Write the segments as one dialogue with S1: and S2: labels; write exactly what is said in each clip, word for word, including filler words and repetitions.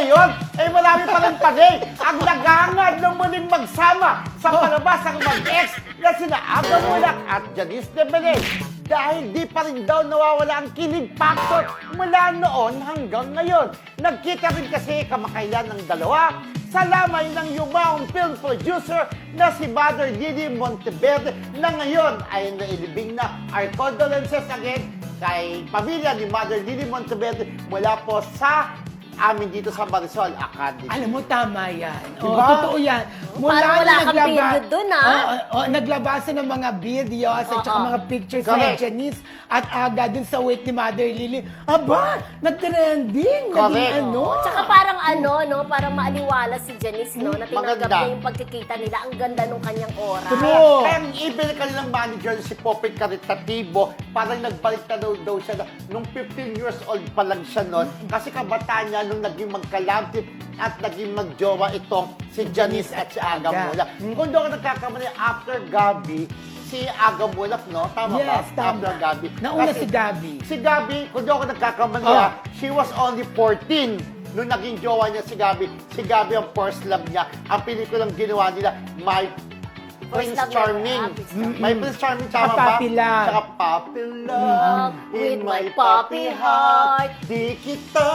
S1: ngayon, eh marami pa rin panay ang nagangad ng muling magsama sa palabas ang mag-ex na sina Aga Mulak at Janice de Belen. Dahil di pa rin daw nawawala ang kilig factor mula noon hanggang ngayon. Nagkita rin kasi kamakailan ng dalawa sa lamay ng yumaong film producer na si Mother Lily Monteverde na ngayon ay nailibing na. Our condolences again kay pamilya ni Mother Lily Monteverde mula po sa amin dito sa Marisol Academy.
S2: Alam mo, tama yan.
S1: Diba?
S2: Oh, totoo yan.
S3: Parang wala kang
S2: naglaba-
S3: period dun, ah.
S2: Oo, oo, oo, naglabasan ng mga videos at
S3: Oo.
S2: saka mga pictures
S1: Correct.
S2: ni Janice at Aga dun sa wake ni Mother Lily. Aba, nag-trending.
S1: Correct.
S2: Naging ano.
S3: Tsaka parang ano, no? Parang maaliwala si Janice, no? Na tinanggap
S1: Maganda.
S3: niya yung pagkikita nila. Ang ganda nung kanyang oras.
S2: True.
S1: Kaya ang ibig kanilang manager si Popoy Caritativo, parang nagbalik na daw, daw siya na, nung fifteen years old pa lang siya noon. Kasi kabataan niya nung naging magkalapit at naging magjowa itong si Janice at si Aga
S2: Aga.
S1: Mulak. Kung doon ako nagkakamali, after Gabi, si Aga Mulak, no? Tama ba?
S2: Yes, tama.
S1: After Gabi.
S2: Nauna
S1: Kasi
S2: si Gabi.
S1: Si Gabi, kung doon ako nagkakamali,
S2: Oh.
S1: ah, she was only fourteen. Nung naging jowa niya si Gabi, si Gabi ang first love niya. Ang pelikulang ginawa nila, My Prince
S3: love niya,
S1: Charming.
S3: ah, Prince Charming.
S1: My Prince Charming, tama
S2: Saka
S1: ba?
S2: Puppy Love.
S1: Saka Puppy Love.
S3: With my puppy heart.
S1: Di kita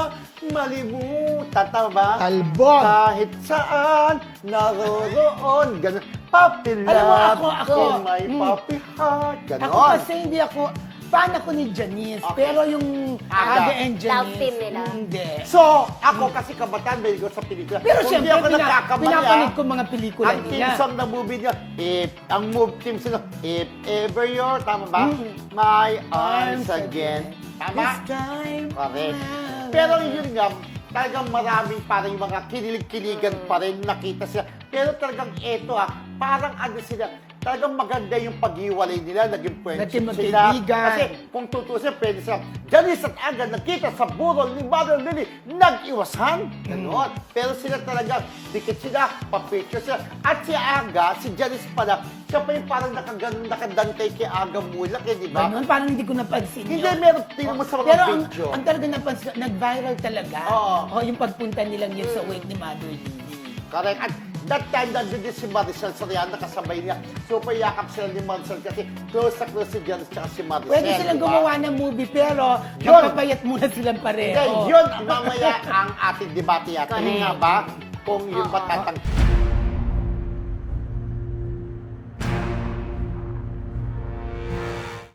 S1: malimutan, tama ba?
S2: Talbog.
S1: Kahit saan, naroroon. Ganun. Puppy Love.
S2: Alam mo, ako, ako.
S1: In my
S2: Mm.
S1: puppy heart. Ganon.
S2: Ako kasi hindi ako, fan ako ni Janice.
S1: Okay.
S2: Pero yung
S1: Aga.
S2: Aga and Janice,
S3: Love team nila.
S2: hindi.
S1: So, ako kasi kabataan, very good sa pelikula.
S2: Pero
S1: Kung
S2: siyempre,
S1: di ako
S2: pina,
S1: nagkakamali,
S2: pinapanood
S1: ah,
S2: ko mga pelikula
S1: ang team
S2: nila.
S1: song na movie niya, if, ang move team sila, if ever you're, tama ba?
S2: Mm.
S1: My arms again. Tama?
S2: This time
S1: Correct.
S2: around.
S1: Pero yun nga, talagang maraming parang mga kinilig-kiligan pa rin nakita sila. Pero talagang eto ah, parang ano sila, talagang maganda yung paghiwalay nila, naging friendship
S2: Naging
S1: sila.
S2: magkaibigan.
S1: Kasi kung tutusin, pwede sila, Janice at Aga nagkita sa burol ni Mother Lily, nag-iwasan. Ganon. Pero sila talaga, dikit sila, pa-picture sila. At si Aga, si Janice pala, siya pa yung parang nakaganon, nakadantay kay Aga Mulak, eh, di ba?
S2: Ganun, parang hindi ko napansin
S1: Hindi,
S2: yun.
S1: meron tingnan mo sa mga
S2: Pero ang,
S1: video.
S2: ang talaga napansin, nag-viral talaga.
S1: Oo.
S2: Oh, yung pagpunta nilang yun sa wake ni Mother Lily.
S1: Correct. At that time, nandun din si Maricel Soriano, kasabay niya. Super yakap sila ni Maricel kasi close na close si Janice tsaka si Maricel.
S2: Pwede silang
S1: di ba?
S2: gumawa ng movie, pero
S1: Yun.
S2: magpapayat muna silang pareho.
S1: Hindi, yun ang mamaya ang ating debate yata. Yun
S3: Correct.
S1: nga ba? Kung yun ba
S2: Oo.
S1: tatang...